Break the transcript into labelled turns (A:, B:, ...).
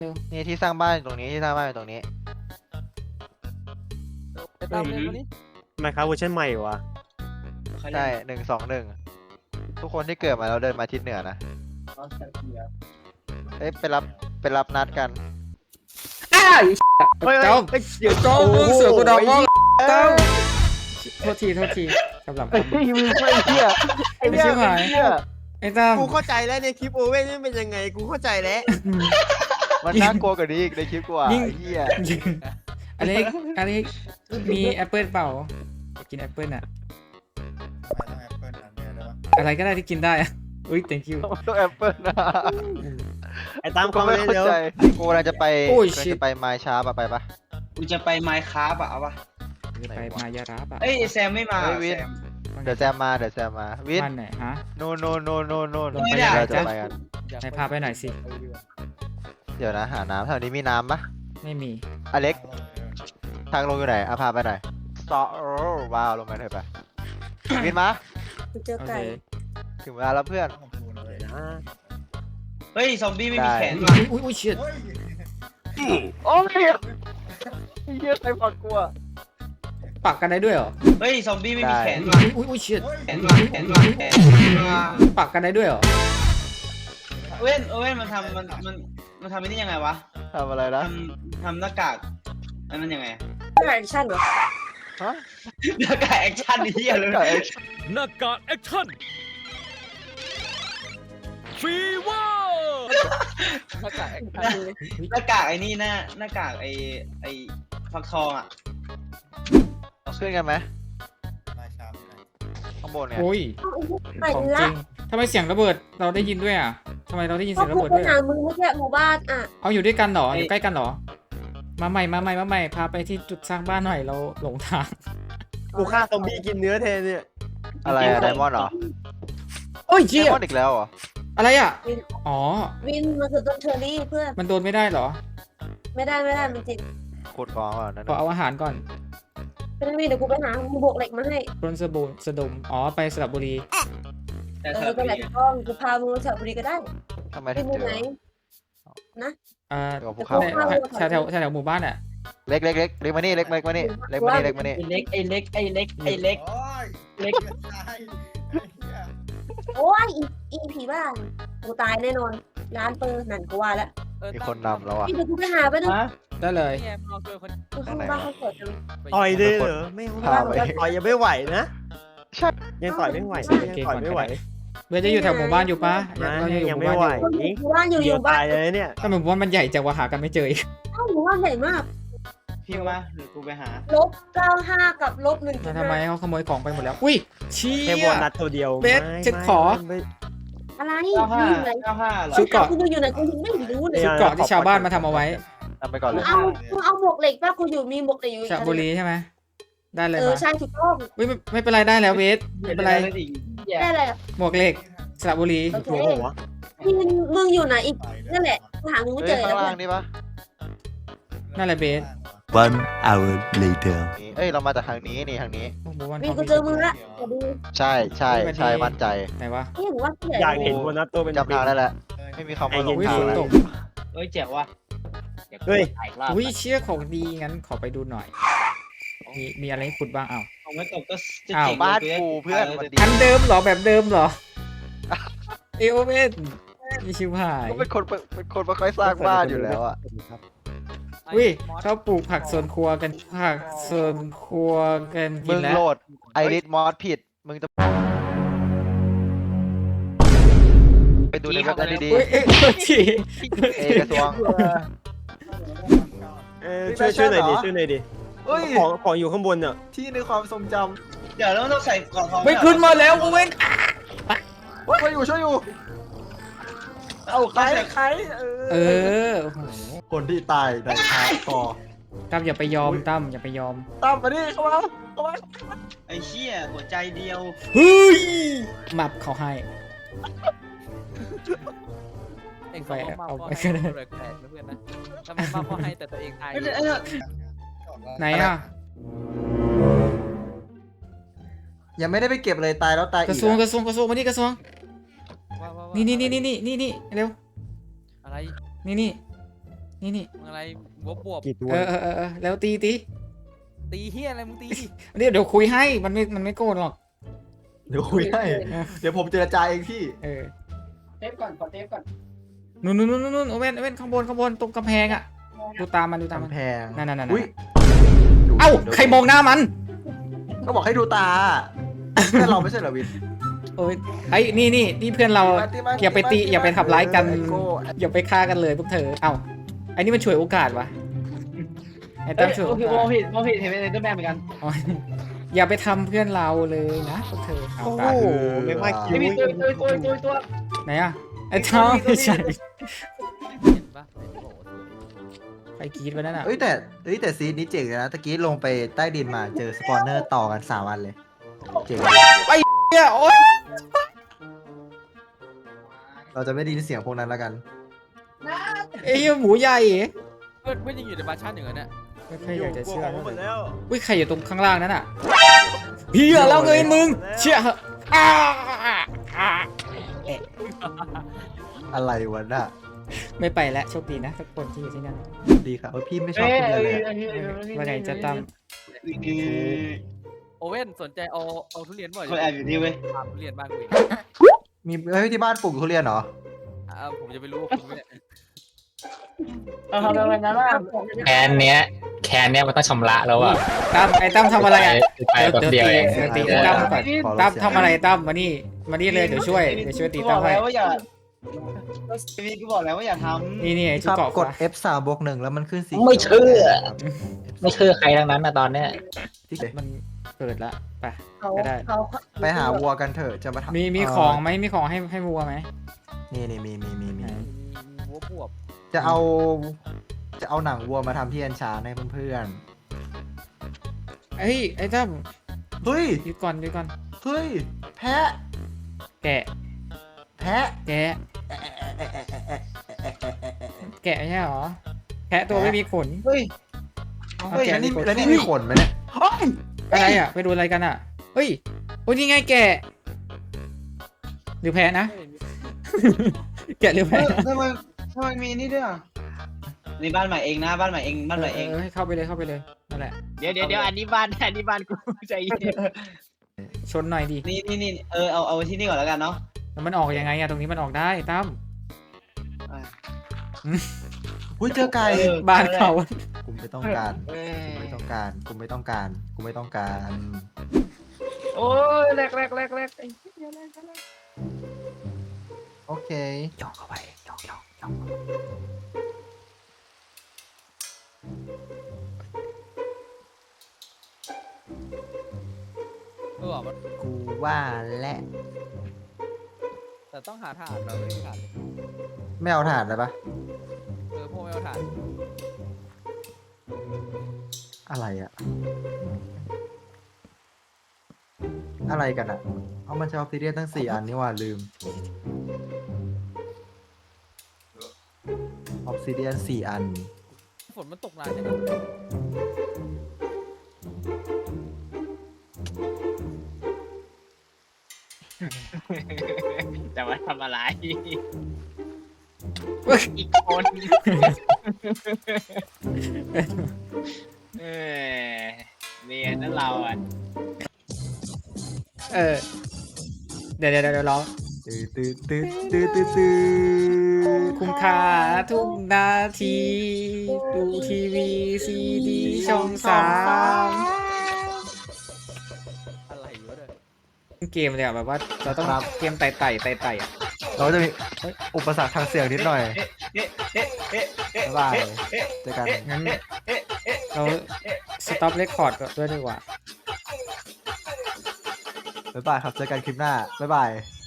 A: นี่ที่สร้างบ้านอยู่ตรงนี้ที่สร้างบ้านอยู่ตรงนี้
B: ไปตามเลยคนนี้
C: ไมค์ครับเวอร์ชันใหม่วะ
A: ใช่121ทุกคนที่เกิดมาแล้วเดินมาทิศเหนือนะเอ้ยไปรับนัดกัน
D: อ้าว
C: เฮ้ย
D: เจ้า
C: เดี๋ยว
D: เจ้าเสือกูดองเจ้าโทษทีกำลัง
A: ไอ้เหี้ยไอ้เหี้ย
D: ไม่ใช่หมาย
A: เหี้ย
D: ไอ้ตั้ม
C: กูเข้าใจแล้วในคลิปโอเว่นนี่เป็นยังไงกูเข้าใจแล้ว
A: มันน่ากลัวกว่านี้อีกในคลิปกูอ่ะไอ้เหี้ย
D: อเล็กมีแอปเปิลเปล่าอยากกินแอปเปิลอะอะไรก็ได้ที่กินได้อะอุ้ย thank you
A: ต้องแอปเปิลนะ
C: ไอ้ตาม
A: กู
C: เขา
A: ไม่
C: เลย
A: เข้า
C: เดี๋ยว
A: ใจกูกำลังจะไป
D: โอ้ย
A: กำลัง
D: shit
A: จะไปไมล์ช้าปะไปปะ
B: กูจะไปไมค์คราฟอะเอาปะ
D: ไปมายาราบอะ
B: เอ้ยแซมไม่มา
A: เฮ้ยวิน
B: แซม
A: เดี๋ยวแซมมาวิน
D: บ้านไหนฮะ
A: โนน
D: ไม่
B: ได้
A: เราจะไปกัน
D: ไหนพาไปหน่อยสิ
A: เดี๋ยวนะหาน้ำแถวนี้มีน้ำปะ
D: ไม่มี
A: อเล็กทางลงอยู่ไหนอ่ะพาไปหน่อยซอว้าวลงมาเถอะไปวินมา
E: กูเจอ
D: โอ
E: ไก่
D: เค
A: ถึงเวลาแล้วเพื่อน
B: เฮ้ยซอมบี้ไม่มี
A: ได้
B: แขนว่ะ
D: อุ้ยเชีย
A: โอ้ยเฮียใครฝักกลัว
D: ปักกันได้ด้วยเหรอ
B: เฮ้ยซอมบี้ไม่มี
A: ได้
B: แขนว่ะ
D: อุ้ยเชีย
B: แขนว่ะแขนว่ะแขนว่ะ
D: ปักกันได้ด้วยเหรอ
B: โอเว่นมันทำมันทำไอ้นี่ยังไงวะ
A: ทำอะไรนะ
B: ทำหน้ากากอันนั้นยังไง
E: ไก่ชั่นเหรอ
A: ฮะ
B: หน้ากากแอคชั่นนี่เหี้ยเลย
A: ไก่
F: หน้ากากแอคชั่นฟีเวอร์
B: หน้ากากไอ้นี่หน้ากากไอ้ฟักทองอะ
A: ขึ้นกันไหมข้างบนเนี่ย
D: โอ้ย
E: ไก่
D: ของจ
E: ละ
D: ริงทำไมเสียงระเบิดเราได้ยินด้วยอ่ะทำไมเราได้ยิน
E: ก็
D: เสียงระ
E: กู
D: เบิด
E: ไป
D: ด้วย
E: หา
D: อะ
E: มึงเมื่อกี้หมู่บ้านอ่ะ
D: เอาอยู่ด้วยกันเหรออยู่ใกล้กันเหรอมาใหม่พาไปที่จุดสร้างบ้านหน่อยเราหลงทาง
C: กูฆ่าซอมบี้กินเนื้อแทนเนี่ย
A: อะไรอะไดมอนด์เหรอ
D: โอ้ย
A: ได
D: เจี๊ย
A: มอนด์อีกแล้วเหรอ
D: อะไรอ่ะอ๋อ
E: วินมันคือต้นเชอรี่เพื่อน
D: มันโดนไม่ได้เหรอ
E: ไม่ได้มันติด
A: ขุดกองก่อนนั่น
D: ขอเอาอาหารก่อน
E: เป็นวินเดี๋ยวกูไปหามึงบวกเหล็กมาให้
D: ปล้นสะดมอ๋อไปสระบุรี
B: แต่
E: เอ
B: ส
E: อ
B: ลับ
E: ก็แหละ
B: ดี
E: ถูกต้องกูพามึงไปแถวบุรีก็ได้
A: ทำไม
E: ไป
A: ถึง
E: มึ
A: เจ
E: งไหน
A: อ
D: เดี๋ยว
A: ภูเขา
D: แถวหมู่บ้านอ่ะ
A: เล็กมานี่เล็กมานี่
B: ไอ้เล็กเล็ก
E: โอ้ยอีผีบ้านกูตายแน่นอนร้านเปิดนั่นกูว่าแล้ว
A: มีคนนำแล้วอ่ะ
E: พี่เดี๋ยวกูไปหาไปดู
B: ฮะ
D: ได้เลย
F: นี่ไงเราเจอคน
E: กูเข้าบ้านเขาเปิดจัง
C: ต่อยเลยเหรอไม่เอา
A: พาไป
C: ต่อยยังไม่ไหวนะ
A: ใช่
C: ยังต่อยไม่ไหวยังต่อยไม่ไหว
D: เบสจะอยู่แถวหมู่บ้านอยู่ปะ
C: นะ
D: เราจะอยู่
C: ยัง
D: หมู่
C: ไม่
D: บ้าน
C: ไหว
D: อยู่
E: หมู่บ้านอยู่
C: เดี๋ยว
E: บ้า
C: ตาน ยเลยเนี่ย
D: ถ้าหมู่บ้านมันใหญ่จังว่าหากันไม่เจออีก
E: เอ้าหมู่บ้านใหญ่มาก
B: พี่มาหรือกูไปหา
E: -95กับ-1.5
D: แล้วทำไมเขาขโมยของไปหมดแล้วอุ้ยเชี่
C: แค่
D: ย
C: โบนัสตัวเดียว
D: เบสฉันขอ
E: อะไร
B: 95
E: อยู่ไหน
B: 95เหรอ
D: ชุดเกาะ
E: กูอยู่ไหนกูยังไม่รู้เลย
D: ชุดเกราะที่ชาวบ้านมาทำเอาไว้
A: นำไปก่อนเลย
E: เอาหมวกเหล็กป่ะกูอยู่มีหมวกเหล็กอยู่อีก
D: สระบุรีใช่ไหมได้เลย
E: เออ
D: มา
E: ใช่ถูกต้อง
D: อุ้ยไม่เป็นไรได้แล้วเบสไม่เป็นไร
E: ได้เลย
D: หมวกเหล็กสระบุรี
E: โอเค
C: หัวหัว
E: มึงอยู่ไหนอีกนั่นแหละกูหามึงไม่
A: เฮ้
E: เจ
A: ย
E: อ
A: ข้าง
E: แล้ว
A: ล่างนี่ปะ
D: นั่นแหละเบส
G: One hour later.
A: เอ้ยเรามาจากทางนี้นี่ทางนี้
D: หมู่บ้าน
E: มี
D: เขา
E: กูเจอมึงละเดี๋ยวดู
A: ใช่มั่นใจ
D: ไหนวะ
E: นี่หนูว่าเสีย
C: อยากเห็นโบนัสตัวเป็น
A: จำทางได้แล้วไม่มีคำว่าหลง
D: อุ้ย
A: ทาง
D: ฝน
A: แล้ว
D: ตก
B: เอ้ยเจ๋วว่ะ
C: เฮ้ย
D: อุ้ยเชี่ยของดีงั้นขอไปดูหน่อย มีอะไรให้ขุดบ้างอ้าว
B: ของไม่ตกก็จะ
D: อ้าว
B: เจ๋ง
A: บ้าน
B: เลย
A: กูเพื่อนมันดี
D: อันเดิมเหรอแบบเดิมเหรอเอโอเว่นมีชิวหาย
A: ก็เป็นคนไม่ค่อยสร้างบ้านอยู่แล้วอ่ะ
D: อุ้ยชอบปลูกผักสวนครัวกันผักสวนครัวกันกิ
A: มึ
D: น
A: ง
D: แล้ว
A: โหลดไอริสมอสผิดมึงจะไปดูในเว็บนั้นดี
D: อุ้ยโทษที
A: ๆเอกระทรวง
C: ช่วยหน่อยดิช่วยหน่อยดิ
A: เฮ้ย
C: ของอยู่ข้างบนเนี่ย
A: ที่ในความทรงจ
B: เดี๋ยวเราต้องใส่กล่องทอง
D: ไม่ขึ้นมาแล้วโอเว่น
A: ำช่วยอยู่เอาใคร
D: เออโอ้โห
A: คนที่ตายในคาต่อ
D: ตั้มอย่าไปยอมตั้มอย่าไปยอม
A: ตามมาดิเข้ามา
B: ไอ้เชี่ยหัวใจเดียว
D: เฮ้ยมับเขาให้
F: เองก็มาพ่อให้แปลกๆนะเพื่อนนะทำไมมาพ่อให้แต่ตัวเองตาย
D: ไหนอ่ะ
A: ยังไม่ได้ไปเก็บเลยตายแล้วตาย
D: ก
A: อี
D: ระ
A: ก
D: ทรวงมานี่กระทรวง
F: ว่า
D: นี่เร็ว
F: อะไร
D: นี่นี่
F: มึงอะไรบวบ
C: กี่ตัว
D: แล้วตี
F: ตีเฮียอะไรมึงตีดิ
D: เดี๋ยวคุยให้มันไม่โกรธหรอก
H: เดี๋ยวคุยให้ เดี๋ยวผมเจรจาเองพี่
E: เทปก่อนขอเทปก่อน
D: นู่นโอเว่นข้างบนตรงกำแพงอ่ะดูตามมัน
H: กำแพง
D: นั่น
H: อุ้ย
D: เอ้าใครมองหน้ามัน
H: ก็บอกให้ดูตาแค่เราไม่ใช่เหรอวิน
D: โอ้ยไอ้นี่เพื่อนเราอย่าไปตีอย่าไปทำร้ายกันอย่าไปฆ่ากันเลยพวกเธอเอ้าไอ้นี่มันฉวยโอกาสวะไอ้ตั้มฉวยโอกาส
B: โมผิดเห็นเป็นตัวแม่เหมือนกัน
D: อ๋ออย่าไปทำเพื่อนเราเลยนะพวกเธอเอา
C: โอ้
D: ตาย
C: โหไม่ว่าคิว
B: ไม่มีตัว
D: ไหนอะไอ้ท้องไม่ใช่
F: เห็นปะไหนบอกว่าสวย
D: ใครกรีดไปนั่นอ่ะ
H: เอ้ยแต่ซีนนี้เจ๋งเลยนะตะกี้ลงไปใต้ดินมาเจอสปอนเนอร์ต่อกัน3 วันเลยเจ๋ง
D: เนี่ยโอ๊ย
H: เราจะไม่ได้ยินเสียงพวกนั้นแล้วกัน
D: ไอ้เหี้ยหมูใหญ่
F: เพื่อนยังอยู่ในบาร์ชั่นอย่างนั้นเนี่ย
D: ไม่ใครอยากจะเชื่อ
C: หมดแล้ว
D: อุ้ยใครอยู่ตรงข้างล่างนั่นอ่ะเฮียแล้วเงยมึงเชื่อเหอะอ้า
H: อะไรวะน่ะ
D: ไม่ไปแล้วโชคดีนะทุกคนที่อยู่ที่นั่น
H: ดีค่ะพี่ไม่ชอบทุเรียนเลยอะ
D: ว่าไงจะตั้ม
F: โอเว่นสนใจเอาทุเรียนบ่อย
B: คนแอบอยู่นี่เว้ย
F: ถามทุเรียนบ้างกูอีก
H: มีที่บ้านปลูกทุเรียนเหรอ
F: ผมจะไปรู้คุณไม่ได้
E: เอาทำอะไรนะว่า
I: แคนเนี้ยมันต้องชำระแล้วอ่ะ
D: ตั้มทำอะไรอ่ะ
I: ไปแบบเดียวเอง
D: ตีตั้มก่อนตั้มทำอะไรตั้มมานี่เลยเดี๋ยวช่วยตี
B: บ
D: ตั้
B: อ
D: ม
B: ก
D: ให้
B: แล้วว่าอย่าพี่กูบอกแล้วว่าอย่าทำ
D: นี่ไอ้
H: ค
D: ชุด
H: รับ
D: เกาะ
H: กด F3+1 แล้วมันขึ้นสี
I: ไม่เชื่อ ไม่เชื่อใครทั้งนั้นนะตอนเนี้ย
H: ที่
D: มันเกิดละไป
E: เขา
D: ก็ได้
E: เขา
H: ไปหาวัวกันเถอะจะมาทำ
D: มีของไหมมีของให้วัวไหม
H: นี่มี
F: หัวบวบ
H: จะเอาหนังวัวมาทำที่แอนชาร์ให้เพื่อน
D: เฮ้ยไอ้ตั้ม
H: ๆเฮ้ย
D: หยุดก่อน
H: เฮ้ยแพะ
D: แกะ
H: แพะ
D: แกะแกะใช่หรอแกะตัวไม่มีขน
B: เฮ้ย
D: เอา
H: เฮ้ย
D: แกะ
H: แล้วนี่มีขนไหมเนี่ยโอ๊ย
D: อะไรอ่ะไปดูอะไรกันอ่ะเฮ้ยโอ้ยนี่ไงแกะหรือแพ้นะ แกะหรือแพ้นะ
B: ทำไมมีนี่ด้วยอ่ะนี่บ้านใหม่เองนะบ้านใหม่เองบ้านใหม่เอง
D: ให้เข้าไปเลยนั่นแหละ
I: เดี๋ยวอันนี้บ้านกูใจเย็น
D: ชนหน่อยดิ
B: นี่เอาที่นี่ก่อนแล้วกันเนาะ
D: แล้วมันออกยังไงอ่ะตรงนี้มันออกได้ตั้ม
H: อุ้ยเจอไก่
D: บ้านเขา
H: กูไม่ต้องการกูไม่ต้องการ
B: โอ้ยแรก
H: โอเค
D: ย่องเข้าไปย่อง
F: มัน
H: กูว่าและ
F: แต่ต้องหาถ่านเราไม่มีถ่านเลย
H: ไม่เอาถ่านเลยปะ
F: พวกไม่เอาถ่าน
H: อะไรอะอะไรกันอะเอามันใช้ออฟซิเดียนตั้ง4 อันนี่ว่าลืมออฟซิเดียน4 อัน
F: ฝนมันตกนานจังอะ
I: จะมาทำอะไร อีกคน เนี่ยนั่นเราอ่ะ
D: เดี๋ยวร้อง
H: ตื้อ
D: คุ้มค่าทุกนาทีดูทีวีซีดีช่อง3
F: อะไรอยู่วะเนี่ย
D: เกมเลยอ่ะแบบว่าเราต้องเกมไต่อ่ะ
H: เราจะมีอุปสรรคทางเสียงนิดหน่อยบ๊ายบายเจอกัน
D: งั้นเราสต็อปเรคคอร์ดด้วยดีกว่า
H: บ๊ายบายครับเจอกันคลิปหน้าบ๊ายบาย